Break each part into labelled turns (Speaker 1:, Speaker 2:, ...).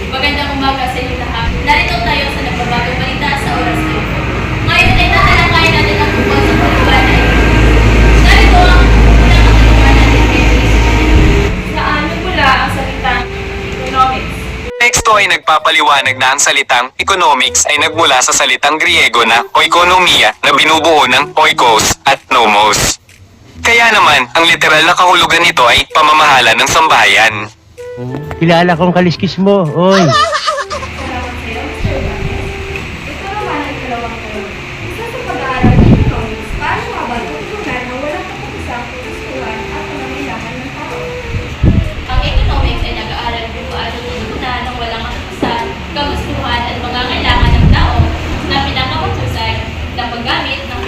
Speaker 1: Magandang umaga sa inyo lahat. Narito tayo sa nagbabagong balita sa oras na ito. Ngayon ay tatalakayin natin ang tungkol sa paliwanag. Narito ang unang katanungan natin kay Chris.
Speaker 2: Saan nagmula ang salitang economics?
Speaker 3: Teksto ay nagpapaliwanag na ang salitang economics ay nagmula sa salitang Griego na oikonomiya na binubuo ng oikos at nomos. Kaya naman, ang literal na kahulugan nito ay pamamahala ng sambahayan.
Speaker 4: Kilala kong kaliskis mo, oy.
Speaker 2: Salamat sa iyo, Mr. Ibanez. Ito naman ang dalawang tanong. Isa sa pag-aaral ng economics, paano nga ba tutunan na walang kapagisang kagustuhan at pangangailangan ng tao?
Speaker 1: Ang economics ay nag-aaral kung paano tutunan ng walang katapusan, kagustuhan at pangangailangan ng tao na pinakamaghusay na paggamit ng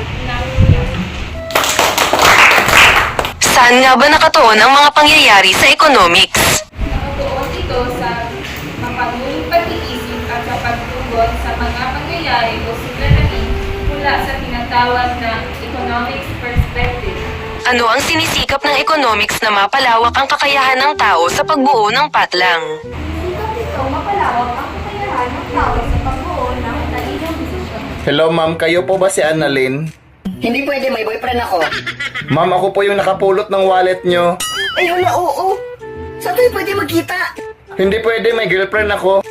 Speaker 5: Saan nga ba nakatuon ang mga pangyayari sa economics?
Speaker 2: Nakatuon ito sa mapanguling pag-iisip at sa pagtugon sa mga pangyayari o suliranin mula sa tinatawag na economics perspective.
Speaker 5: Ano ang sinisikap ng economics na mapalawak ang kakayahan ng tao sa pagbuo ng patlang?
Speaker 2: Sikap nito mapalawak ang kakayahan ng tao sa pagbuo ng talinong desisyon.
Speaker 6: Hello ma'am, kayo po ba si Annalyn?
Speaker 7: Hindi pwede, may boyfriend ako.
Speaker 6: Ma'am, ako po yung nakapulot ng wallet nyo.
Speaker 7: Ay, hala, oo. Saan tayo pwede magkita?
Speaker 6: Hindi pwede, may girlfriend ako.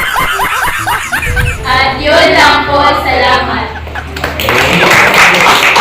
Speaker 1: At yun lang po, salamat.